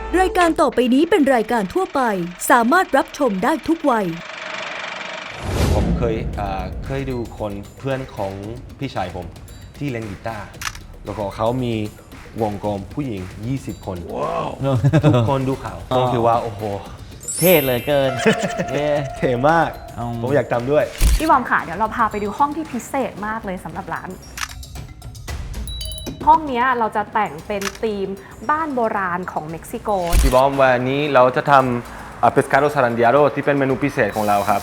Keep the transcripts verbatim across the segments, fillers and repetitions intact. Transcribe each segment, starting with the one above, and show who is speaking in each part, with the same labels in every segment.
Speaker 1: รายการต่อไปนี้เป็นรายการทั่วไปสามารถรับชมได้ทุกวัย
Speaker 2: ผมเคยเอ่อเคยดูคนเพื่อนของพี่ชายผมที่เล่นกีตาร์แล้วก็เขามีวงกลมผู้หญิงยี่สิบคน wow. ทุกคนดูข่าวผมคิดว่าโอ้โห
Speaker 3: เท่เลยเกิน
Speaker 2: เท่มากผมอยากทำด้วย
Speaker 4: พี่บอมค่ะเดี๋ยวเราพาไปดูห้องที่พิเศษมากเลยสำหรับร้านห้องนี้เราจะแต่งเป็นธีมบ้านโบราณของเม็กซิโก
Speaker 2: พี่บอมวันนี้เราจะทำ pescado zarandeado ที่เป็นเมนูพิเศษของเราครับ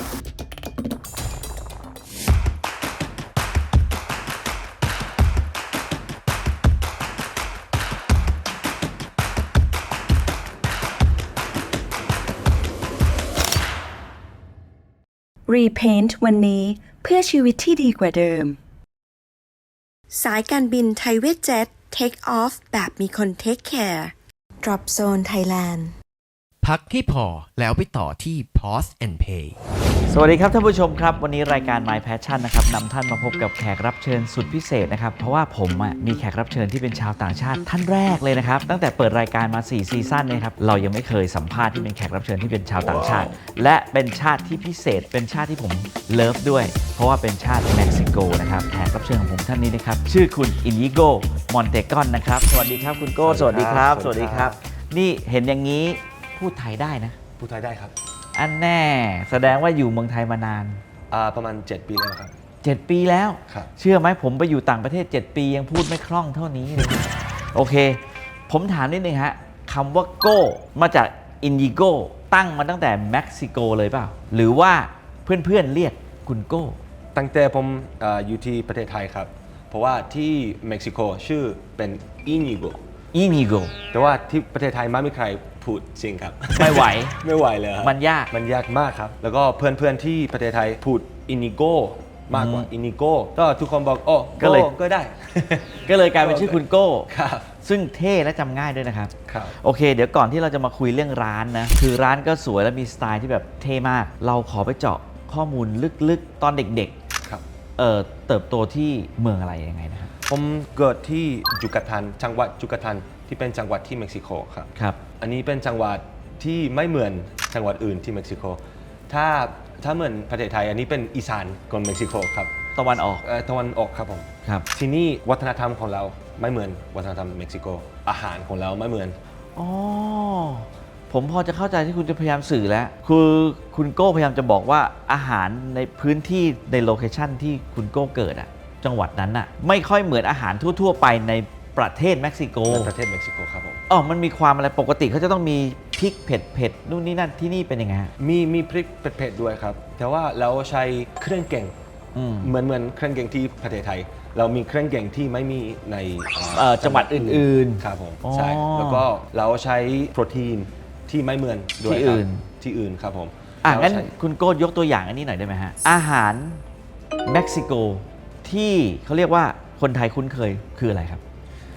Speaker 5: Repaint วันนี้เพื่อชีวิตที่ดีกว่าเดิมสายการบินไทยเวทเจ็ต Take Off แบบมีคน Take Care Drop Zone Thailand
Speaker 6: พักให้พอแล้วไปต่อที่ Pause and Pay
Speaker 3: สวัสดีครับท่านผู้ชมครับวันนี้รายการ My Passion นะครับนำท่านมาพบกับแขกรับเชิญสุดพิเศษนะครับเพราะว่าผมมีแขกรับเชิญที่เป็นชาวต่างชาติท่านแรกเลยนะครับตั้งแต่เปิดรายการมาสี่ซีซั่นเนี่ยครับเรายังไม่เคยสัมภาษณ์ที่เป็นแขกรับเชิญที่เป็นชาวต่างชาติ และเป็นชาติที่พิเศษเป็นชาติที่ผมเลิฟด้วยเพราะว่าเป็นชาติเม็กซิโกนะครับแขกรับเชิญของผมท่านนี้นะครับชื่อคุณอินิโกมอนเตกอนนะครับสวัสดีครับคุณโก้สวัสดีครับสวัสดีครับนี่เห็นอย่างนี้พูดไทยได้นะ
Speaker 2: พูดไทยได้ครับ
Speaker 3: อันแน่แสดงว่าอยู่เมืองไทยมานาน
Speaker 2: ประมาณเจ็ดปีแล้วครับ
Speaker 3: เจ็ดปีแล้ว
Speaker 2: ครับ
Speaker 3: เชื่อไหมผมไปอยู่ต่างประเทศเจ็ดปียังพูดไม่คล่องเท่านี้เลยโอเคผมถามนิดนึงฮะคำว่าโก้มาจากอินดิโกตั้งมาตั้งแต่เม็กซิโกเลยเปล่าหรือว่าเพื่อนๆเรียกคุณโก้
Speaker 2: ตั้งแต่ผมออยู่ที่ประเทศไทยครับเพราะว่าที่เม็กซิโกชื่อเป็นอินิโก
Speaker 3: อินิโก
Speaker 2: แต่ว่าที่ประเทศไทยไม่มีใครพูดจริงครับ
Speaker 3: ไม่ไหว
Speaker 2: ไม่ไหวเลยครับ
Speaker 3: มันยาก
Speaker 2: มันยากมากครับแล้วก็เพื่อนๆที่ประเทศไทยพูดอินิโกมากกว่าอินิโกก็ทุกคนบอกโอ้ก็เลยก็ได้
Speaker 3: ก็เลยกลายเป็นชื่อคุณโก้
Speaker 2: ครับ
Speaker 3: ซึ่งเท่และจำง่ายด้วยนะครับ
Speaker 2: ครับ
Speaker 3: โอเคเดี๋ยวก่อนที่เราจะมาคุยเรื่องร้านนะคือร้านก็สวยและมีสไตล์ที่แบบเท่มากเราขอไปเจาะข้อมูลลึกๆตอนเด็ก
Speaker 2: ๆครับ
Speaker 3: เอ่อเติบโตที่เมืองอะไรยังไงนะครับ
Speaker 2: ผมเกิดที่ยูกาตันจังหวัดยูกาตันที่เป็นจังหวัดที่เม็กซิโกครับ
Speaker 3: ครับ
Speaker 2: อันนี้เป็นจังหวัดที่ไม่เหมือนจังหวัดอื่นที่เม็กซิโกถ้าถ้าเหมือนประเทศไทยอันนี้เป็นอีสานของเม็กซิโกครับ
Speaker 3: ตะวันออก
Speaker 2: เอ่อตะวันออกครับผม
Speaker 3: ครับ
Speaker 2: ที่นี่วัฒนธรรมของเราไม่เหมือนวัฒนธรรมเม็กซิโกอาหารของเราไม่เหมือน
Speaker 3: อ๋อผมพอจะเข้าใจที่คุณจะพยายามสื่อแล้วคือคุณโก้พยายามจะบอกว่าอาหารในพื้นที่ในโลเคชั่นที่คุณโก้เกิดอะจังหวัดนั้นอะไม่ค่อยเหมือนอาหารทั่วๆไปในประเทศเม็กซิโก
Speaker 2: ประเทศเม็กซิโกครับผม
Speaker 3: อ๋อมันมีความอะไรปกติเขาจะต้องมีพริกเผ็ดเผ็ดนู่นนี่นั่นที่นี่เป็นยังไง
Speaker 2: มีมีพริกเผ็ดด้วยครับแต่ว่าเราใช้เครื่องแกงเหมือนเหมือนเครื่องแกงที่ประเทศไทยเรามีเครื่องแกงที่ไม่มีใน
Speaker 3: จังหวัดอื่น
Speaker 2: ๆครับผมใช่แล้วก็เราใช้โปรตีนที่ไม่เหมือนด้วย
Speaker 3: ที่อื่น
Speaker 2: ที่อื่นครับผม
Speaker 3: อ่ะงั้นคุณโก้ยกตัวอย่างอันนี้หน่อยได้ไหมฮะอาหารเม็กซิโกที่เขาเรียกว่าคนไทยคุ้นเคยคืออะไรครับ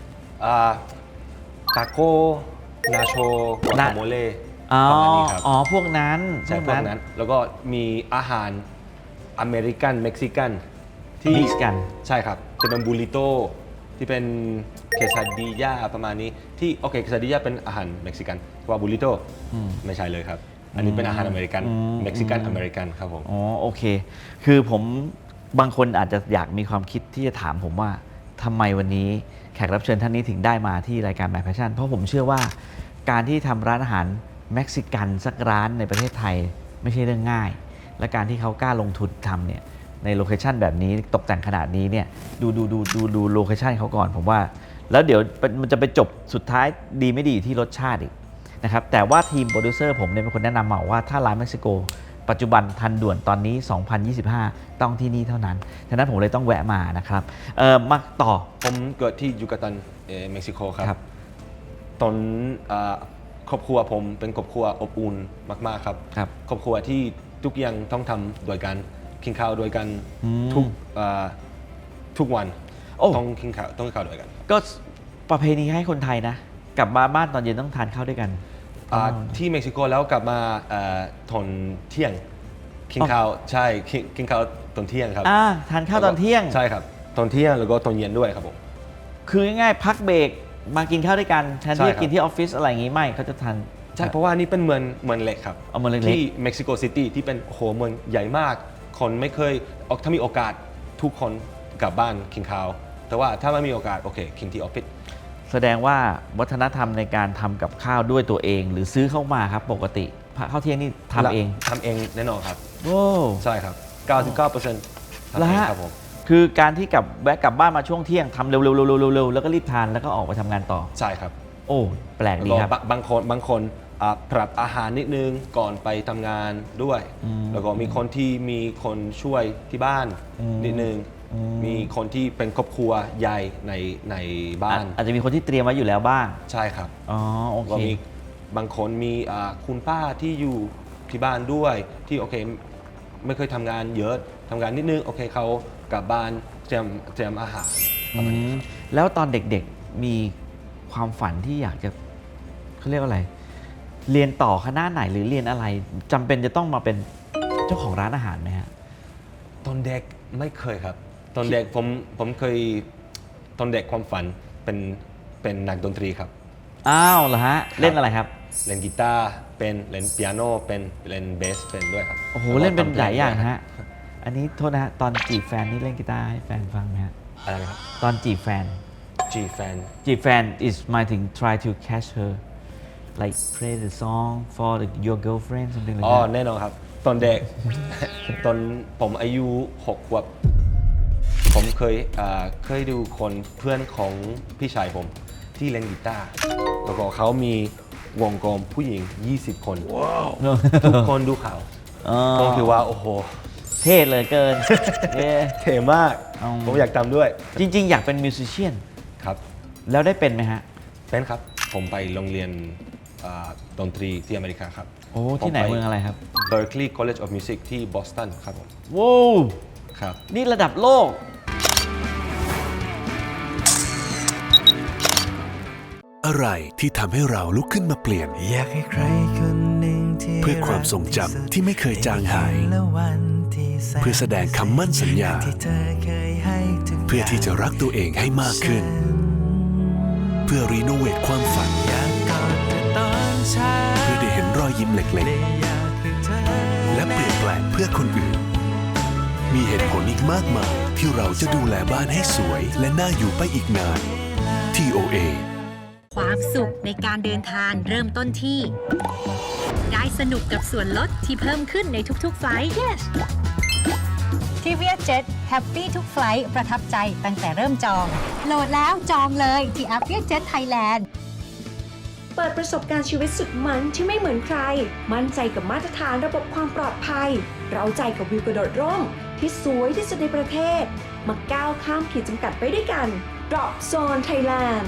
Speaker 2: ตาโก้นาโชกวาโมเล่
Speaker 3: ประมาณนี้ครับอ๋อพวกนั้น
Speaker 2: ใช่พวกนั้นแล้วก็มีอาหารอเมริกันเม็กซิกัน
Speaker 3: ที่มิกซ์กัน
Speaker 2: ใช่ครับจะเป็นบูริโตที่เป็นเคซาดิยาประมาณนี้ที่โอเคเคซาดิยาเป็นอาหารเม็กซิกันว่าบูริโตไม่ใช่เลยครับอันนี้เป็นอาหารอเมริกันเม็กซิกันอเมริกันครับผม
Speaker 3: อ๋อโอเคคือผมบางคนอาจจะอยากมีความคิดที่จะถามผมว่าทำไมวันนี้แขกรับเชิญท่านนี้ถึงได้มาที่รายการ My Passion เพราะผมเชื่อว่าการที่ทำร้านอาหารเม็กซิกันสักร้านในประเทศไทยไม่ใช่เรื่องง่ายและการที่เขากล้าลงทุนทำเนี่ยในโลเคชันแบบนี้ตกแต่งขนาดนี้เนี่ยดูดูดูดูดูโลเคชันเขาก่อนผมว่าแล้วเดี๋ยวมันจะไปจบสุดท้ายดีไม่ดีที่รสชาติอีกนะครับแต่ว่าทีมโปรดิวเซอร์ผมเนี่ยเป็นคนแนะนำมาว่าถ้าร้านเม็กซิโกปัจจุบันทันด่วนตอนนี้สองพันยี่สิบห้าต้องที่นี่เท่านั้นฉะนั้นผมเลยต้องแวะมานะครับเออมาต่อ
Speaker 2: ผมเกิดที่ยูกาตันเม็กซิโกครับตอนครอบครัวผมเป็นครอบครัวอบอุ่นมากๆครับครอบครัวที่ทุกอย่างต้องทำโดยกันกินข้าวโดยกันทุกทุกวันต้องกินข้าวต้องกินข้าวโดยกัน
Speaker 3: ก็ประเพณีให้คนไทยนะกลับมาบ้านตอนเย็นต้องทานข้าวด้วยกัน
Speaker 2: ที่เม็กซิโกแล้วกลับมาตอนเที่ยงกินข้าวใช่กินข้าวตอนเที่ยงครับ
Speaker 3: ทานข้าวตอนเที่ยง
Speaker 2: ใช่ครับตอนเที่ยงแล้วก็ตอนเย็นด้วยครับผม
Speaker 3: คือง่ายๆพักเบรกมากินข้าวด้วยกันแทน
Speaker 2: ใช่
Speaker 3: ที่
Speaker 2: ครั
Speaker 3: จะ
Speaker 2: บ
Speaker 3: กินที่ออฟฟิศอะไรอย่างงี้ไม่เขาจะทาน
Speaker 2: ใช่เพราะว่านี่เป็นเมืองเมืองเล็กครับ
Speaker 3: เอาเมืองเล็กๆ
Speaker 2: ที่เม็กซิโกซิตี้ที่เป็นโอ้โหเมืองใหญ่มาก คนไม่เคยออกถ้ามีโอกาสทุกคนกลับบ้านกินข้าวแต่ว่าถ้าไม่มีโอกาสโอเคกินที่ออฟฟิศ
Speaker 3: แสดงว่าวัฒนธรรมในการทำกับข้าวด้วยตัวเอง หรือซื้อเข้ามาครับปกติข้าวเที่ยงนี่ทำเอง
Speaker 2: ทำเองแน่นอนครับ
Speaker 3: โอ้
Speaker 2: ใช่ครับ เก้าสิบเก้าเปอร์เซ็นต์ ทำ
Speaker 3: แล้ว
Speaker 2: เอง
Speaker 3: ฮะ
Speaker 2: ครับผม
Speaker 3: คือการที่กลับแวะกลับบ้านมาช่วงเที่ยงทำเร็วๆๆๆๆแล้วก็รีบทานแล้วก็ออกไปทำงานต่อ
Speaker 2: ใช่ครับ
Speaker 3: โอ้แปลก
Speaker 2: แล้ว
Speaker 3: ดี
Speaker 2: ก็
Speaker 3: ครับ
Speaker 2: บะบางคนบางคนอ่าปรับอาหารนิดนึงก่อนไปทำงานด้วย
Speaker 3: อืม
Speaker 2: แล้วก็มีคนที่มีคนช่วยที่บ้าน
Speaker 3: อืม
Speaker 2: นิดนึง
Speaker 3: อืม
Speaker 2: มีคนที่เป็นครอบครัวใหญ่ในในบ้าน
Speaker 3: อ่ะอาจจะมีคนที่เตรียมไว้อยู่แล้วบ้าง
Speaker 2: ใช่ครับ
Speaker 3: อ๋อโอ
Speaker 2: ก็
Speaker 3: เค
Speaker 2: มีบางคนมีอ่าคุณป้าที่อยู่ที่บ้านด้วยที่โอเคไม่เคยทำงานเยอะทำงานนิดนึงโอเคเขากลับบ้านเตรียมเตรียมอาหารประมาณนี้ครับ
Speaker 3: แล้วตอนเด็กๆมีความฝันที่อยากจะเขาเรียกว่าอะไร เรียนต่อคณะไหนหรือเรียนอะไรจำเป็นจะต้องมาเป็นเจ้าของร้านอาหารไหมฮะ
Speaker 2: ตอนเด็กไม่เคยครับ ตอนเด็กผมผมเคยตอนเด็กความฝันเป็นเป็นนักดนตรีครับ
Speaker 3: อ้าวเหรอฮะ เล่นอะไรครับ
Speaker 2: เล่นกีตาร์เป็นเล่นเปียโนเป็นเล่นเบสเป็นด้วยครับ
Speaker 3: โอ้โห
Speaker 2: แวก็
Speaker 3: เล่นเป็น
Speaker 2: ทำพ
Speaker 3: หลายอย่าง
Speaker 2: ด้ว
Speaker 3: ฮะ อันนี้โทษนะฮะ ตอนจีบแฟนนี่เล่นกีตาร์ให้แฟนฟังไหมฮะ
Speaker 2: อะไรนะครับ
Speaker 3: ตอนจีบแฟน
Speaker 2: G fan
Speaker 3: จีบแฟน is หมายถึง try to catch her like play the song for the, your girlfriend something like
Speaker 2: อ๋อ
Speaker 3: that
Speaker 2: แน่นอนครับ ตอนเด็ก ตอนผมอายุหกขวบผมเคยอ่าเคยดูคนเพื่อนของพี่ชายผมที่เล่นกีตาร์แล้วก็เขามีวงกลมผู้หญิง ยี่สิบ คน ทุกคนดูข่าว
Speaker 3: อ๋อ
Speaker 2: ผมคิดว่า โอ้โห
Speaker 3: เท่เหลยเกิน เย้
Speaker 2: เท่มาก
Speaker 3: อืม
Speaker 2: ผมอยากทำด้วย
Speaker 3: จริง ๆ อยากเป็นมิวสิชเชียน
Speaker 2: ครับ
Speaker 3: แล้วได้เป็นไหมฮะ
Speaker 2: เป็นครับ ผมไปโรงเรียนอ่าดนตรีที่อเมริกาครับ
Speaker 3: โอ้ที่ไหน
Speaker 2: ผป
Speaker 3: เมืองอะไรครับ
Speaker 2: Berkeley College of Music ที่บอสตันครับผม
Speaker 3: ว้าว
Speaker 2: ครับ
Speaker 3: นี่ระดับโลก
Speaker 7: อะไรที่ทำให้เราลุกขึ้นมาเปลี่ยน
Speaker 8: อยากให้ใครคนหนึ่งที่
Speaker 7: เพื่อความทรงจำที่ไม่เคยจางหาย
Speaker 8: และวันที่แสน
Speaker 7: เพื่อแสดงคำมั่นสัญญา
Speaker 8: ที่เธอเคยให้ทุก
Speaker 7: เพื่อที่จะรักตัวเองให้มากขึ้น เพื่อรีโนเวทความฝัน
Speaker 8: อยากกอดเธอตอนเช้า
Speaker 7: เพื่อได้เห็นรอยยิ้มเล็ก
Speaker 8: และอยากให้เธอ
Speaker 7: ๆ และเปลี่ยนแปลงเพื่อคนอื่น มีเหตุผลอีกมากมายที่เราจะดูแลบ้านให้สวย และน่าอยู่ไปอีกนาน ที โอ เอ
Speaker 9: ความสุขในการเดินทางเริ่มต้นที่ ได้สนุกกับส่วนลดที่เพิ่มขึ้นในทุกๆไฟล์ yes ที่ VietJet แฮปปี้ทุกไฟล์ประทับใจตั้งแต่เริ่มจอง โหลดแล้วจองเลยที่แอป VietJet Thailand
Speaker 5: เปิดประสบการณ์ชีวิตสุดมันที่ไม่เหมือนใคร มั่นใจกับมาตรฐานระบบความปลอดภัย เราใจกับวิวกระโดดร่มที่สวยที่สุดในประเทศ มาก้าวข้ามขีดจำกัดไปด้วยกัน Drop Zone Thailand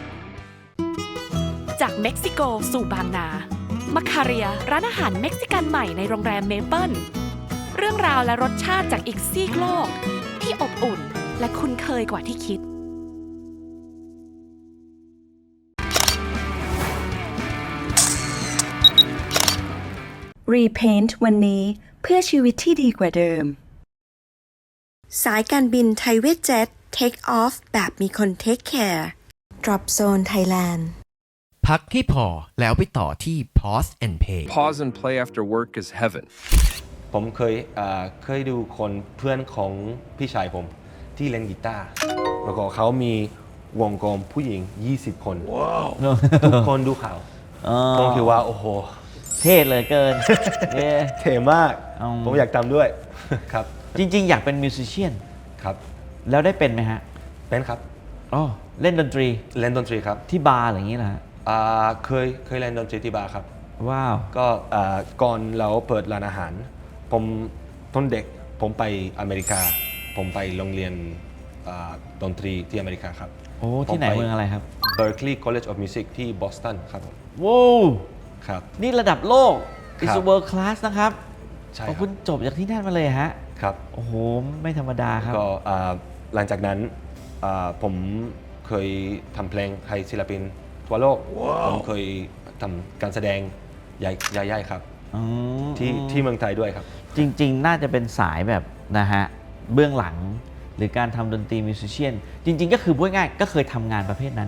Speaker 4: จากเม็กซิโกสู่บางนามาคาเรียร้านอาหารเม็กซิกันใหม่ในโรงแรมเมเปิลเรื่องราวและรสชาติจากอีกซีกโลก ที่อบอุ่นและคุ้นเคยกว่าที่คิด
Speaker 5: Repaint วันนี้เพื่อชีวิตที่ดีกว่าเดิม สายการบินไทยเวทเจ็ต Take Off แบบมีคน Take Care Drop Zone Thailand
Speaker 6: พักให้พอแล้วไปต่อที่ Pause and Pay
Speaker 10: Pause and play after work is heaven.
Speaker 2: ผมเคยอ่าเคยดูคนเพื่อนของพี่ชายผมที่เล่นกีตาร์แล้วก็เขามีวงกลมผู้หญิง ยี่สิบ คน ทุกคนดูข่าว
Speaker 3: อ๋อ
Speaker 2: ผมคิดว่า โอ้โห
Speaker 3: เท่เหลยเกิน เย้
Speaker 2: เท่มาก
Speaker 3: อืม
Speaker 2: ผมอยากทำด้วย ครับ
Speaker 3: จริง ๆ อยากเป็นมิวสิชเชียน
Speaker 2: ครับ
Speaker 3: แล้วได้เป็นไหมฮะ
Speaker 2: เป็นครับ
Speaker 3: อ๋อเล่นดนตรี
Speaker 2: เล่นดนตรีครับ
Speaker 3: ที่บาร์อะไรอย่างนี้เหรอฮะ
Speaker 2: อ่าเคยเคยเล่นดนตรีที่บาร์ครับ
Speaker 3: ว้าว
Speaker 2: ก็อ่าก่อนเราเปิดร้านอาหาร ผมตอนเด็กผมไปอเมริกา ผมไปโรงเรียนอ่าดนตรีที่อเมริกาครับ
Speaker 3: โอ้ที่ไหน
Speaker 2: ผมป
Speaker 3: เมืองอะไรครับ
Speaker 2: Berkeley College of Music ที่บอสตันครับผม
Speaker 3: ว้าว
Speaker 2: ครับ
Speaker 3: นี่ระดับโลก
Speaker 2: ครับ
Speaker 3: is a world class นะครับ
Speaker 2: ใช่
Speaker 3: โอ้
Speaker 2: ค
Speaker 3: คุ
Speaker 2: รับ
Speaker 3: ณจบจากที่นั่นมาเลยฮะ
Speaker 2: ครับ
Speaker 3: โอ้โห ไม่ธรรมดาครับ
Speaker 2: ก็อ่าหลังจากนั้นอ่าผมเคยทำเพลงให้ศิลปินทั่วโลก ผมเคยทำการแสดงใหญ่ๆครับ
Speaker 3: อืม
Speaker 2: ที่ที่เมืองไทยด้วยครับ
Speaker 3: จริง ๆ น่าจะเป็นสายแบบนะฮะ เบื้องหลังหรือการทำดนตรีมิวสิชเชียน จริง ๆ ก็คือพูดง่ายๆก็เคยทำงานประเภทนั้น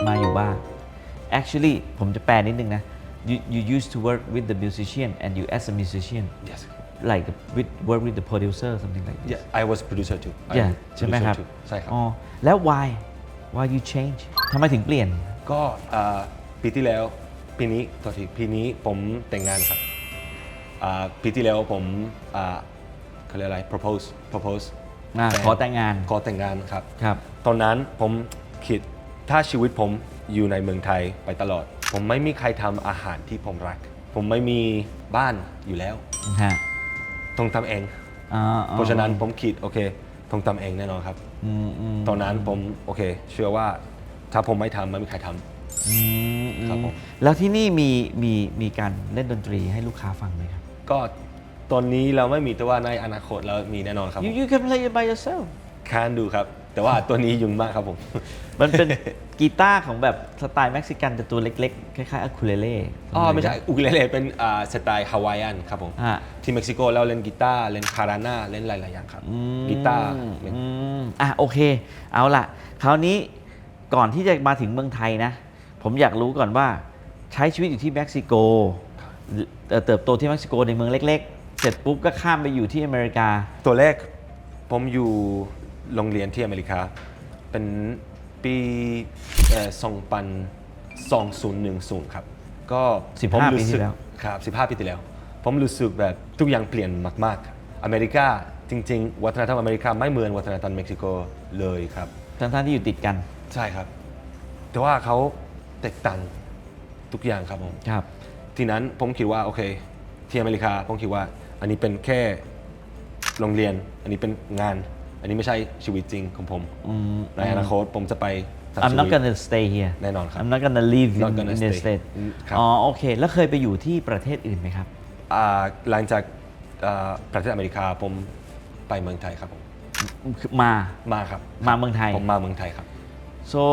Speaker 3: มาอยู่บ้าง actually ผมจะแปลนิดนึงนะ you you used to work with the musician and you as a musician
Speaker 2: yes
Speaker 3: like with work with the producer something like this
Speaker 2: yeah I was producer too I
Speaker 3: yeah
Speaker 2: was
Speaker 3: ใช่ไหม
Speaker 2: producer
Speaker 3: ครับ
Speaker 2: too ใช่ครับ
Speaker 3: อ๋อแล้ว why why you change ทำไมถึงเปลี่ยน
Speaker 2: ก็อ่าปีที่แล้วปีนี้ต่อทีปีนี้ผมแต่งงานครับอ่าปีที่แล้วผมอ่าเขาเรียกอะไร propose propose
Speaker 3: อ่า
Speaker 2: ฟน
Speaker 3: ขอแต่งงาน
Speaker 2: ขอแต่งงานครับ
Speaker 3: ครับ
Speaker 2: ตอนนั้นผมคิดถ้าชีวิตผมอยู่ในเมืองไทยไปตลอด ผมไม่มีใครทำอาหารที่ผมรัก ผมไม่มีบ้านอยู่แล้ว
Speaker 3: ฮะ
Speaker 2: ต้องทำเอง
Speaker 3: อ๋อ
Speaker 2: เพราะฉะนั้นผมคิดโอเคต้องทำเองแน่นอนครับ
Speaker 3: อืมอืม
Speaker 2: ตอนนั้นผมโอเค เชื่อว่าถ้าผมไม่ทำไม่มีใครทำ
Speaker 3: อืมอืม
Speaker 2: ครับผม
Speaker 3: แล้วที่นี่มีมีมีการเล่นดนตรีให้ลูกค้าฟังไหมครับ
Speaker 2: ก็ตอนนี้เราไม่มีแต่ว่าในอนาคตเรามีแน่นอนครับ
Speaker 3: you you can play it by yourself
Speaker 2: คานดูครับ แต่ว่าตัวนี้ยุ่งมากครับผม
Speaker 3: มันเป็น กีตาร์ของแบบสไตล์เม็กซิกันแต่ตัวเล็กๆ คล้ายๆอะคูเลเล่
Speaker 2: อ๋อไม่ใช่อุกุเลเล่เป็นอ่าสไตล์ฮาวายอันครับผม
Speaker 3: ฮะ
Speaker 2: ที่เม็กซิโกเราเล่นกีตาร์เล่นคาราน่าเล่นหลายๆอย่างครับกีตาร์เล่น
Speaker 3: อืมอ่ะโอเค เอาล่ะ คราวนี้ก่อนที่จะมาถึงเมืองไทยนะ ผมอยากรู้ก่อนว่าใช้ชีวิตอยู่ที่เม็กซิโกเอ่อเติบโตที่เม็กซิโกในเมืองเล็กๆ เสร็จปุ๊บก็ข้ามไปอยู่ที่อเมริกา
Speaker 2: ตัวแรกผมอยู่โรงเรียนที่อเมริกา เป็นปีเอ่อสองพันสองศูนย์หนึ่งศูนย์ครับ ก็
Speaker 3: สิบห้า
Speaker 2: ผมรู้สึก
Speaker 3: ปีที่แล้ว
Speaker 2: ครับสิบห้าปีที่แล้ว ผมรู้สึกแบบทุกอย่างเปลี่ยนมากๆ อเมริกาจริงๆ วัฒนธรรมอเมริกาไม่เหมือนวัฒนธรรมเม็กซิโกเลยครับ
Speaker 3: ทั้งๆที่อยู่ติดกัน
Speaker 2: ใช่ครับ แต่ว่าเขาแตกต่างทุกอย่างครับผม
Speaker 3: ครับ
Speaker 2: ทีนั้นผมคิดว่าโอเคที่อเมริกาผมคิดว่าอันนี้เป็นแค่โรงเรียน อันนี้เป็นงาน อันนี้ไม่ใช่ชีวิตจริงของผม
Speaker 3: อืม
Speaker 2: ในอนาคตผมจะไปทำ
Speaker 3: I'm
Speaker 2: ชี
Speaker 3: not
Speaker 2: วิต
Speaker 3: gonna stay here
Speaker 2: แน่นอนครับ
Speaker 3: I'm not gonna live
Speaker 2: Not
Speaker 3: in
Speaker 2: gonna
Speaker 3: in the
Speaker 2: stay
Speaker 3: state
Speaker 2: อืมครับ
Speaker 3: อ๋อโอเค แล้วเคยไปอยู่ที่ประเทศอื่นไหมครับ
Speaker 2: อ่าหลังจากอ่าประเทศอเมริกาผมไปเมืองไทยครับผม
Speaker 3: มา
Speaker 2: มาครับ
Speaker 3: มาเมืองไทย
Speaker 2: ผมมาเมืองไทยครับ
Speaker 3: so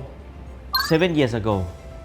Speaker 3: seven years ago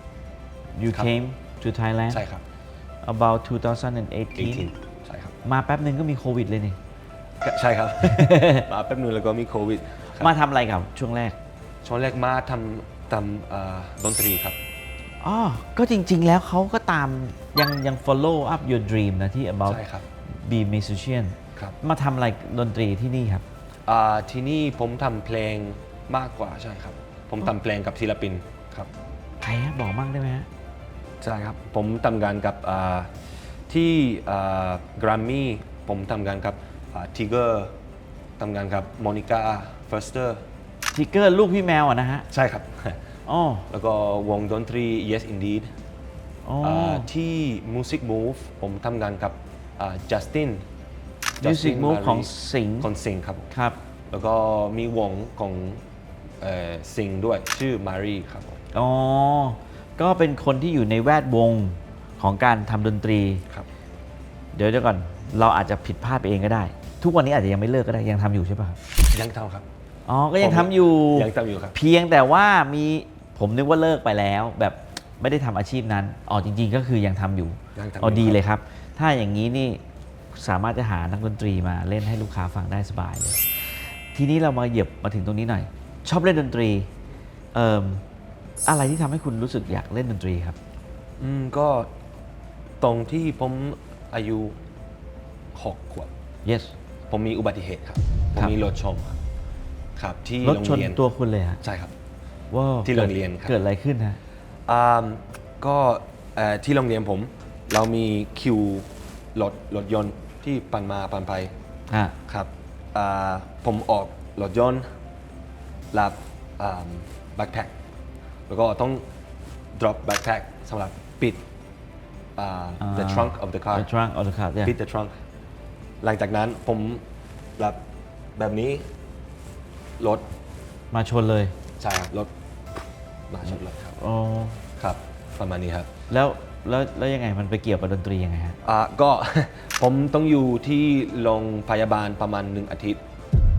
Speaker 3: you
Speaker 2: ครับ
Speaker 3: came to Thailand
Speaker 2: ใช่ครับ
Speaker 3: about twenty
Speaker 2: เอ
Speaker 3: eighteen
Speaker 2: ทีใช่ครับ
Speaker 3: มาแป๊บหนึ่งก็มีโควิดเลยนี่
Speaker 2: ก็ใช่ครับ มาแป๊บนึงแล้วก็มีโควิดครับ
Speaker 3: มาทำอะไรกับช่วงแรก
Speaker 2: ช่วงแรกมาทำทำอ่าดนตรีครับ
Speaker 3: อ๋อ ก็จริง ๆ แล้วเขาก็ตามยังยัง follow up your dream นะที่ about
Speaker 2: ใช่ครับ
Speaker 3: be musician
Speaker 2: ครับ
Speaker 3: มาทำอะไรดนตรีที่นี่ครับ
Speaker 2: อ่าที่นี่ผมทำเพลงมากกว่าใช่ครับ ผมทำเพลงกับศิลปินครับ
Speaker 3: ใครฮะบอกมั่งได้ไหมฮะ
Speaker 2: ใช่ครับ ผมทำงานกับอ่าที่กรัมมี่ผมทำงานกับทิกเกอร์ทำงานกับโมนิก้าเฟอร์สเตอร์
Speaker 3: ทิกเกอร์ลูกพี่แมวอ่ะนะฮะ
Speaker 2: ใช่ครับ
Speaker 3: อ๋อ
Speaker 2: แล้วก็วงดนตรี Yes Indeed
Speaker 3: อ๋อ
Speaker 2: าที่ Music Move ผมทำงานกับจัสติน
Speaker 3: Music Move ของสิงห์
Speaker 2: ของสิงห์ครับ
Speaker 3: ครับ
Speaker 2: แล้วก็มีวงของสิงห์ด้วยชื่อมารีครับผม
Speaker 3: อ๋อ ก็เป็นคนที่อยู่ในแวดวงของการทำดนตรี
Speaker 2: ครับ
Speaker 3: เดี๋ยวเดี๋ยวก่อน เราอาจจะผิดพลาดไปเองก็ได้ ทุกวันนี้อาจจะยังไม่เลิกก็ได้ ยังทำอยู่ใช่ป่ะครับ
Speaker 2: ยังทำครับ
Speaker 3: อ๋อ ก็ยังทำอยู่
Speaker 2: ยังทำอยู่ครับ
Speaker 3: เพียงแต่ว่ามีผมนึกว่าเลิกไปแล้ว แบบไม่ได้ทำอาชีพนั้นอ๋อจริง ๆ ก็คือยังทำอยู่
Speaker 2: ยังทำอยู่
Speaker 3: อ๋อดี
Speaker 2: ครับ
Speaker 3: เลยครับ ถ้าอย่างนี้นี่สามารถจะหานักดนตรีมาเล่นให้ลูกค้าฟังได้สบายเลย ทีนี้เรามาเหยียบมาถึงตรงนี้หน่อย ชอบเล่นดนตรีเอ่ออะไรที่ทำให้คุณรู้สึกอยากเล่นดนตรีครับ
Speaker 2: อืมก็ตรงที่ผมอายุหกขวบ
Speaker 3: yes
Speaker 2: ผมมีอุบัติเหตุครับ ผม
Speaker 3: ครับ
Speaker 2: มีรถชนครับครับที่
Speaker 3: รถ
Speaker 2: โรง
Speaker 3: ชน
Speaker 2: เรียน
Speaker 3: ตัวคุณเลยฮะ
Speaker 2: ใช่ครับ
Speaker 3: ว้าว
Speaker 2: ที่โรงเรียนครับ
Speaker 3: เกิดอะไรขึ้นฮะ
Speaker 2: อ่าก็เอ่อที่โรงเรียนผมเรามีคิวรถรถยนต์ที่ปั่นมาปั่นไป
Speaker 3: อ่ะ
Speaker 2: ครับอ่าผมออกรถยนต์รับแบ็คแพ็คแล้วก็ต้อง drop backpack สำหรับปิดอ่า the trunk of the car
Speaker 3: the trunk of the car yeah
Speaker 2: ปิด the trunk หลังจากนั้นผมรับแบบนี้รถ
Speaker 3: มาชนเลย
Speaker 2: ใช่ครับรถมาชนรถครับ
Speaker 3: อ๋อ
Speaker 2: ครับประมาณนี้ครับ
Speaker 3: แล้วแล้วแล้วยังไงมันไปเกี่ยวกับดนตรียังไงฮะ
Speaker 2: อ่าก็ ผมต้องอยู่ที่โรงพยาบาลประมาณหนึ่งอาทิตย์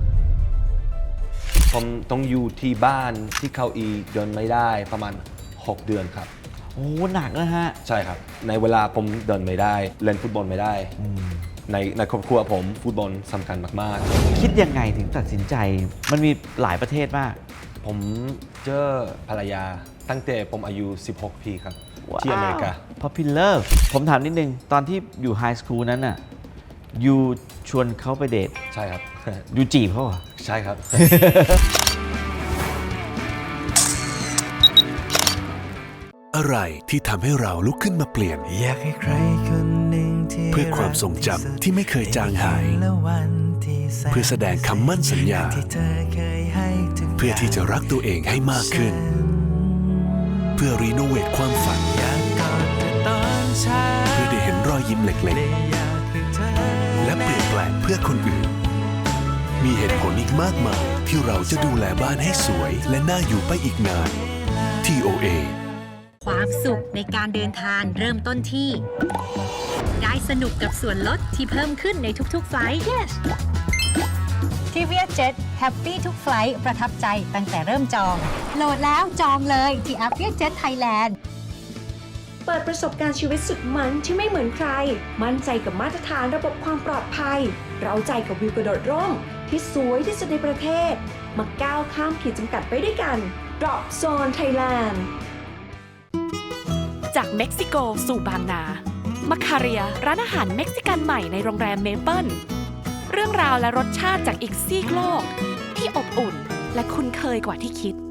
Speaker 2: ผมต้องอยู่ที่บ้านที่เขาอีเดินไม่ได้ประมาณหกเดือนครับ
Speaker 3: โอ้หนักนะฮะ
Speaker 2: ใช่ครับ ในเวลาผมเดินไม่ได้ เล่นฟุตบอลไม่ได้ ในในครอบครัวผมฟุตบอลสำคัญมาก
Speaker 3: คิดยังไงถึงตัดสินใจ มันมีหลายประเทศมาก
Speaker 2: ๆ ผมเจอภรรยาตั้งแต่ผมอายุสิบหกปีครับที่อเมริกา
Speaker 3: Popular ผมถามนิดนึง ตอนที่อยู่ไฮสคูลนั้นน่ะยูชวนเขาไปเดท
Speaker 2: ใช่ครับ
Speaker 3: ยูจีบเขาเหรอ
Speaker 2: ใช่ครับ
Speaker 7: อะไรที่ทำให้เราลุกขึ้นมาเปลี่ยน
Speaker 8: อยากให้ใครคนหนึ่งที่
Speaker 7: เพื่อความทรงจำที่ไม่เคยจางหาย
Speaker 8: และวันที่แสน
Speaker 7: เพื่อแสดงคำมั่นสัญญา
Speaker 8: ที่เธอเคยให้ทุก
Speaker 7: เพื่อที่จะรักตัวเองให้มากขึ้น เพื่อรีโนเวทความฝัน
Speaker 8: อยากกอดเธอตอนเช้า
Speaker 7: เพื่อได้เห็นรอยยิ้มเล็ก
Speaker 8: และอยากให้เธอ
Speaker 7: ๆ และเปลี่ยนแปลงเพื่อคนอื่น มีเหตุผลอีกมากมายที่เราจะดูแลบ้านให้สวย และน่าอยู่ไปอีกนาน ที โอ เอ
Speaker 9: ความสุขในการเดินทางเริ่มต้นที่ ได้สนุกกับส่วนลดที่เพิ่มขึ้นในทุกๆไฟล์ yes ทีวี Jet Happy ทุกไฟล์ประทับใจตั้งแต่เริ่มจอง โหลดแล้วจองเลยที่แอป Jet Thailand
Speaker 5: เปิดประสบการณ์ชีวิตสุดมันที่ไม่เหมือนใคร มั่นใจกับมาตรฐานระบบความปลอดภัย เราใจกับวิวกระโดดร่มที่สวยที่สุดในประเทศ มาก้าวข้ามขีดจำกัดไปด้วยกัน Drop Zone Thailand
Speaker 4: จากเม็กซิโกสู่บางนา มาคาเรียร้านอาหารเม็กซิกันใหม่ในโรงแรมเมเปิลเรื่องราวและรสชาติจากอีกซีกโลก ที่อบอุ่นและคุ้นเคยกว่าที่คิด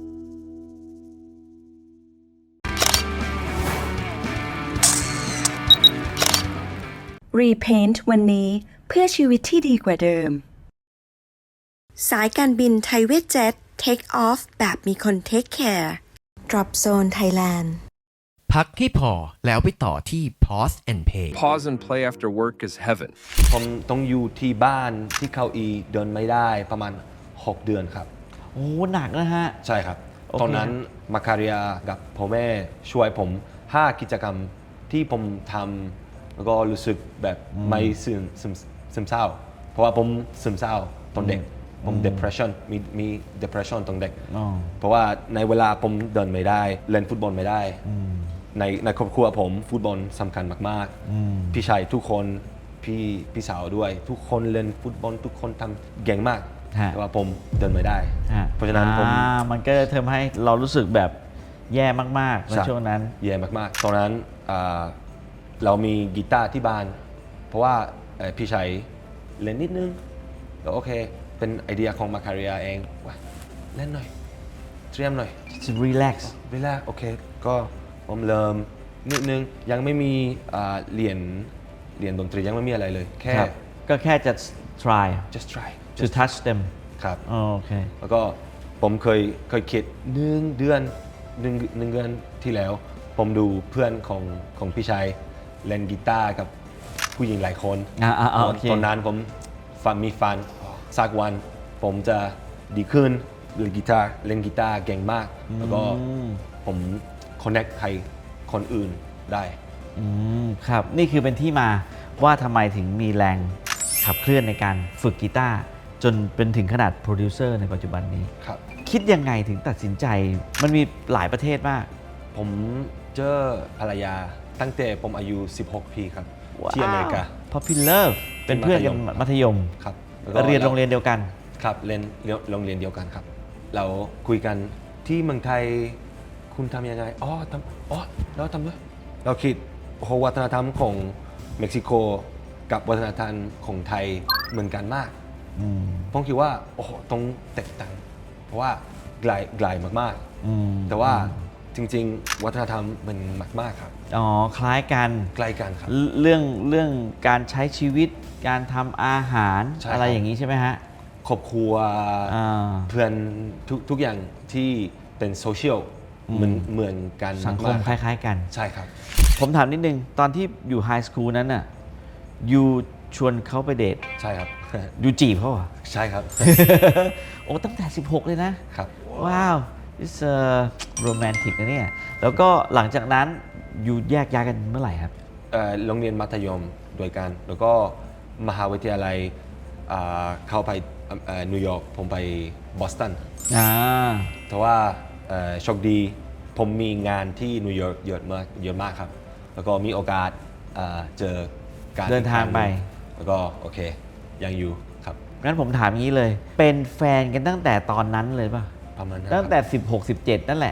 Speaker 5: Repaint วันนี้เพื่อชีวิตที่ดีกว่าเดิม สายการบินไทยเวทเจ็ต Take Off แบบมีคน Take Care Drop Zone Thailand
Speaker 6: พักให้พอแล้วไปต่อที่ Pause and Pay
Speaker 10: Pause and play after work is heaven.
Speaker 2: ผมต้องอยู่ที่บ้านที่เกาอีเดินไม่ได้ประมาณหกเดือนครับ
Speaker 3: โอ้หนักนะฮะ
Speaker 2: ใช่ครับ
Speaker 3: โอเค
Speaker 2: ตอนนั้นมาคาเรียกับพ่อแม่ช่วยผมห้ากิจกรรมที่ผมทำแล้วก็รู้สึกแบบไม่ซึมซึมซึมเศร้า เพราะว่าผมซึมเศร้าตอนเด็ก ผม depression มีมี depression ตอนเด็ก
Speaker 3: อ๋อ
Speaker 2: เพราะว่าในเวลาผมเดินไม่ได้ เล่นฟุตบอลไม่ได้ ในในครอบครัวผมฟุตบอลสำคัญมากๆ พี่ชายทุกคนพี่พี่สาวด้วย ทุกคนเล่นฟุตบอลทุกคนทำเก่งมาก
Speaker 3: ฮะ
Speaker 2: แต่ว่าผมเดินไม่ได้
Speaker 3: ฮะ
Speaker 2: เพราะฉะนั้นผม
Speaker 3: อ่ามันก็ทำให้เรารู้สึกแบบแย่มากๆใน
Speaker 2: ใช่
Speaker 3: ช่วงนั้น
Speaker 2: แย่มากๆ ตอนนั้นอ่าเรามีกีตาร์ที่บ้าน เพราะว่าเอ่อพี่ชายเล่นนิดนึงแล้วโอเค เป็นไอเดียของมาคาเรียเองว่าเล่นหน่อย เตรียมหน่อย
Speaker 3: just relax
Speaker 2: เวลาโอเค ก็ผมเริ่มนิดนึง ยังไม่มีอ่าเรียนเรียนดนตรียังไม่มีอะไรเลย แค่
Speaker 3: ครับ ก็แค่จะ try
Speaker 2: just try
Speaker 3: to touch them
Speaker 2: ครับ
Speaker 3: อ๋อโอเค
Speaker 2: แล้วก็ผมเคยเคยคิดหนึ่งเดือนหนึ่งหนึ่งเดือนที่แล้ว ผมดูเพื่อนของของพี่ชายเล่นกีตาร์กับผู้หญิงหลายคน
Speaker 3: อ่าอ่าอ่าโอเค
Speaker 2: ตอนนั้นผมฟันมีฟันสักวันผมจะดีขึ้นเล่นกีตาร์เล่นกีตาร์เก่งมาก แล้วก็
Speaker 3: อืม
Speaker 2: ผมคอนเน c t ใครคนอื่นได้
Speaker 3: อืมครับ นี่คือเป็นที่มาว่าทำไมถึงมีแรงขับเคลื่อนในการฝึกกีตาร์จนเป็นถึงขนาดโปรดิวเซอร์ในปัจจุบันนี้
Speaker 2: ครับ
Speaker 3: คิดยังไงถึงตัดสินใจ มันมีหลายประเทศมาก
Speaker 2: ผมเจอภรรยาตั้งแต่ผมอายุสิบหกปีครับ ที่อเมริกา
Speaker 3: Popular เป็นเพื่อนกันมัธยม
Speaker 2: ครับแล้วก็
Speaker 3: เรียนโรงเรียนเดียวกัน
Speaker 2: ครับเรียนเรียนโรงเรียนเดียวกันครับ เราคุยกันที่เมืองไทยคุณทำยังไงอ๋อทำอ๋อเราทำด้วยเราคิดโอ้โหวัฒนธรรมของเม็กซิโกกับวัฒนธรรมของไทยเหมือนกันมาก
Speaker 3: อืม
Speaker 2: ผมคิดว่าโอ้โหต้องแตกต่างเพราะว่าไกลไกลมาก
Speaker 3: อืม
Speaker 2: ๆ แต่ว่าจริง ๆ วัฒนธรรมมันมากๆครับ
Speaker 3: อ๋อ คล้ายกัน
Speaker 2: ใกล้กันครับ
Speaker 3: เรื่องเรื่องการใช้ชีวิต การทำอาหาร
Speaker 2: ใช่ครับ
Speaker 3: อะไรอย่างนี้ใช่ไหมฮะ
Speaker 2: ครอบครัว
Speaker 3: อ่า
Speaker 2: เพื่อนทุกทุกอย่างที่เป็นโซเชียลเหมือนเหมือนกัน
Speaker 3: สังคม
Speaker 2: าก
Speaker 3: ค
Speaker 2: ๆ
Speaker 3: ล้าย ๆ กัน
Speaker 2: ใช่ครับ
Speaker 3: ผมถามนิดนึง ตอนที่อยู่ไฮสคูลนั้นน่ะยูชวนเขาไปเดท
Speaker 2: ใช่ครับ
Speaker 3: ยูจีบเขาเหรอ
Speaker 2: ใช่ครับ
Speaker 3: โอ้ตั้งแต่ สิบหก เลยนะ
Speaker 2: ครับ
Speaker 3: ว้าว it's a romantic นะเนี่ย แล้วก็หลังจากนั้นยูแยกย้ายกันเมื่อไหร่ครับ
Speaker 2: เอ่อโรงเรียนมัธยมด้วยกัน แล้วก็มหาวิทยาลัยอ่าเข้าไปเอ่อนิวยอร์กผมไปบอสตัน
Speaker 3: อ่า
Speaker 2: แต่ว่าเอ่อโชคดีผมมีงานที่นิวยอร์กเยอะมากเยอะมากครับ แล้วก็มีโอกาสเอ่อเจอการ
Speaker 3: เดินทางไป
Speaker 2: แล้วก็โอเคยังอยู่ครับ
Speaker 3: งั้นผมถามงี้เลย เป็นแฟนกันตั้งแต่ตอนนั้นเลยป่ะ
Speaker 2: ประมาณนั้น
Speaker 3: ตั้งแต่
Speaker 2: ครับ
Speaker 3: สิบหก สิบเจ็ด นั่นแหละ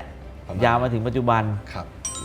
Speaker 2: ประมาณ
Speaker 3: ยาวมาถึงปัจจุบัน
Speaker 2: ครับ
Speaker 3: โอ้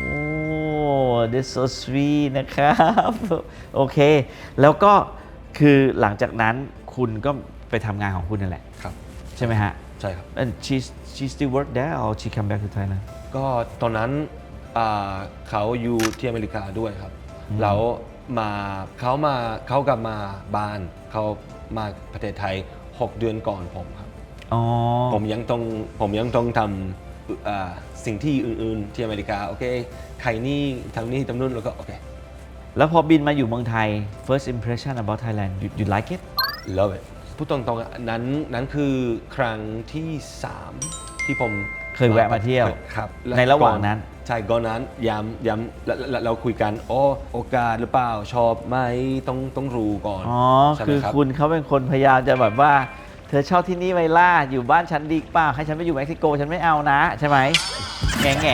Speaker 3: this so sweet นะครับ โอเค แล้วก็คือหลังจากนั้นคุณก็ไปทำงานของคุณนั่นแหละ
Speaker 2: ครับ
Speaker 3: ใช่ไหมฮะ
Speaker 2: ใช่ครับ
Speaker 3: and she she still work there or she come back to Thailand
Speaker 2: ก็ตอนนั้นอ่าเขาอยู่ที่อเมริกาด้วยครับ แล้วมาเขามาเขากลับมาบ้านเขามาประเทศไทยหกเดือนก่อนผมครับ
Speaker 3: อ๋อ
Speaker 2: ผมยังต้องผมยังต้องทำอ่าสิ่งที่อื่นๆที่อเมริกาโอเคใครนี่ทำนี่ทำนู่นแล้วก็โอเค
Speaker 3: แล้วพอบินมาอยู่เมืองไทย first impression about Thailand you, you like it
Speaker 2: love it พูดตรงๆนั้นนั้นคือครั้งที่สามที่ผม
Speaker 3: เคยแวะมาเที่ยว
Speaker 2: ครับ
Speaker 3: ในระหว่างนั้น
Speaker 2: ใช่ก่อนนั้นย้ำย้ำแล้วแล้วเราคุยกันโอ้โอกาสหรือเปล่าชอบไหมต้องต้องรู้ก่อน
Speaker 3: อ๋อ
Speaker 2: ใช่ไหม
Speaker 3: คือ
Speaker 2: รับ
Speaker 3: คุณเขาเป็นคนพยายามจะแบบว่า เธอชอบที่นี่ไวล่าอยู่บ้านฉันดีเปล่าให้ฉันไปอยู่เม็กซิโกฉันไม่เอานะ ใช่ไหม แง่แง่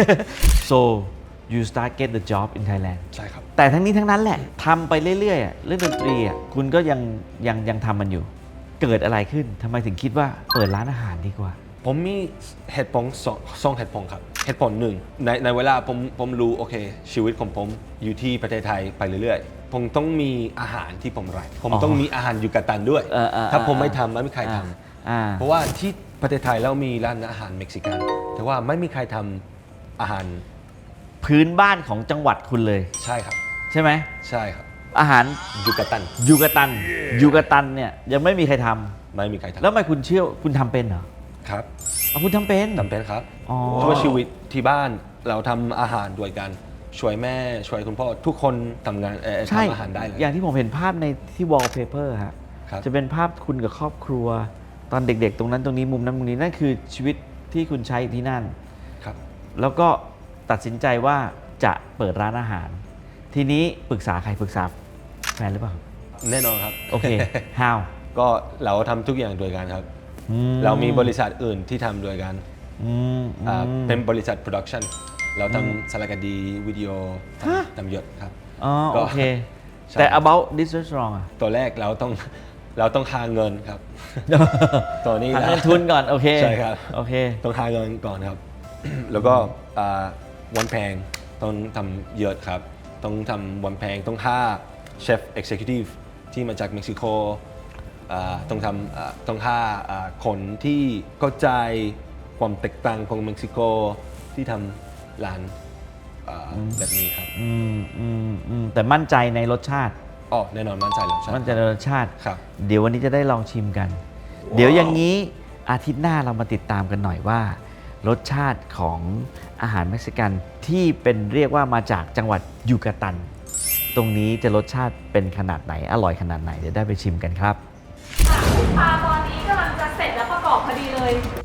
Speaker 3: so you start get the job in Thailand
Speaker 2: ใช่ครับ
Speaker 3: แต่ทั้งนี้ทั้งนั้นแหละทำไปเรื่อยๆอะเรื่องดนตรีอะคุณก็ยังยังยังทำมันอยู่ เกิดอะไรขึ้นทำไมถึงคิดว่าเปิดร้านอาหารดีกว่า
Speaker 2: ผมมีเหตุผลสองสองเหตุผลครับเหตุผลหนึ่งในในเวลาผมผมรู้โอเคชีวิตของผมอยู่ที่ประเทศไทยไปเรื่อยๆผมต้องมีอาหารที่ผมรักผมต้องมีอาหารยูกาตันด้วย
Speaker 3: เออเออ
Speaker 2: ถ้าผมไม่ทำไม่มีใครท
Speaker 3: อ่า
Speaker 2: ำเพราะว่าที่ประเทศไทยเรามีร้านอาหารเม็กซิกัน แต่ว่าไม่มีใครทำอาหาร
Speaker 3: พื้นบ้านของจังหวัดคุณเลย
Speaker 2: ใช่ครับ
Speaker 3: ใช่ไหม
Speaker 2: ใช่ครับ
Speaker 3: อาหาร
Speaker 2: ยูกาตัน
Speaker 3: ยูกาตันยูกาตันเนี่ยยังไม่มีใครทำ
Speaker 2: ไม่มีใครทำ
Speaker 3: แล้วทำไมคุณเชื่อคุณทำเป็นเหรอ
Speaker 2: ครับ
Speaker 3: อ๋อคุณทำเป็น
Speaker 2: จำเป็นครับ
Speaker 3: อ๋อ
Speaker 2: เพราะว่าชีวิตที่บ้านเราทำอาหารด้วยกันช่วยแม่ช่วยคุณพ่อทุกคนทำงานเอ่อ
Speaker 3: ใช่
Speaker 2: ทำอาหารได้เลย
Speaker 3: อย่างที่ผมเห็นภาพในที่ wallpaper ฮะ
Speaker 2: ครับ
Speaker 3: จะเป็นภาพคุณกับครอบครัว ตอนเด็กๆ ตรงนั้นตรงนี้มุมนั้นมุมนี้นั่นคือชีวิตที่คุณใช้ที่นั่น
Speaker 2: ครับ
Speaker 3: แล้วก็ตัดสินใจว่าจะเปิดร้านอาหาร ทีนี้ปรึกษาใครปรึกษาแฟนหรือเปล่า
Speaker 2: แน่นอนครับ
Speaker 3: โอเค how
Speaker 2: ก็เราทำทุกอย่างด้วยกันครับ
Speaker 3: อื
Speaker 2: เรามีบริษัทอื่นที่ทำด้วยกัน
Speaker 3: อืม
Speaker 2: อ่า
Speaker 3: อืม
Speaker 2: เป็นบริษัทโปรดักชันเราทำสารคดีวิดีโอทำ
Speaker 3: ฮะ
Speaker 2: ทำเยอะครับ
Speaker 3: อ๋อ
Speaker 2: ก็
Speaker 3: โอเค
Speaker 2: ใช่
Speaker 3: แต่ about this restaurant อะ
Speaker 2: ตัวแรกเราต้องเราต้องหาเงินครับ ตัวนี้
Speaker 3: หา
Speaker 2: นะ
Speaker 3: เงินทุนก่อน โอเค
Speaker 2: ใช่ครับ
Speaker 3: โอเค
Speaker 2: ต้องหาเงินก่อนครับ แล้วก็อ่าวันแพงต้องทำเยอะครับ ต้องทำวันแพงต้องห้าเชฟเอ็กซิคิวทีฟที่มาจากเม็กซิโกอ่าต้องทำอ่าต้องห้าอ่าคนที่เข้าใจความแตกต่างของเม็กซิโกที่ทำร้านอ่าแบบนี้ครับ
Speaker 3: อืมอืมอืมแต่มั่นใจในรสชาติ
Speaker 2: อ๋อแน่นอนมั่นใจแล้วใช่
Speaker 3: มั่นใจในรสชาติ
Speaker 2: ครับ
Speaker 3: เดี๋ยววันนี้จะได้ลองชิมกัน เดี๋ยวอย่างนี้อาทิตย์หน้าเรามาติดตามกันหน่อยว่า รสชาติของอาหารเม็กซิกันที่เป็นเรียกว่ามาจากจังหวัดยูกาตัน ตรงนี้จะรสชาติเป็นขนาดไหนอร่อยขนาดไหนเดี๋ยวได้ไปชิมกันครับ
Speaker 4: คุณปาตอนนี้กำลังจะเสร็จแล้วประกอบพอดีเลย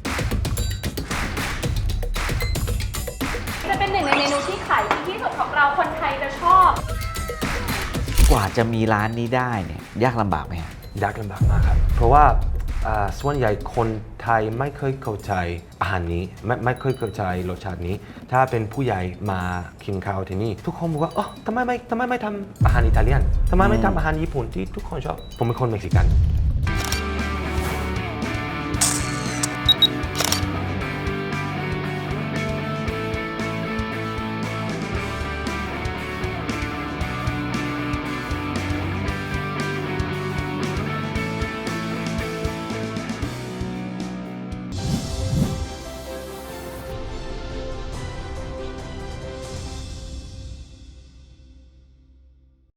Speaker 4: จะเป็นหนึ่งในเมนูที่ขายดีที่สุดของเราคนไทยจะชอบ
Speaker 3: กว่าจะมีร้านนี้ได้เนี่ยยากลำบากไหมฮะ
Speaker 2: ยากลำบากมากครับ เพราะว่าอ่าส่วนใหญ่คนไทยไม่เคยเข้าใจอาหารนี้ไม่ไม่เคยเข้าใจรสชาตินี้ ถ้าเป็นผู้ใหญ่มากินข้าวที่นี่ ทุกคนบอกว่าอ๋อทำไมไม่ทำไมไม่ทำอาหารอิตาเลียนทำไมไม่ทำอาหารญี่ปุ่นที่ทุกคนชอบ ผมเป็นคนเม็กซิกัน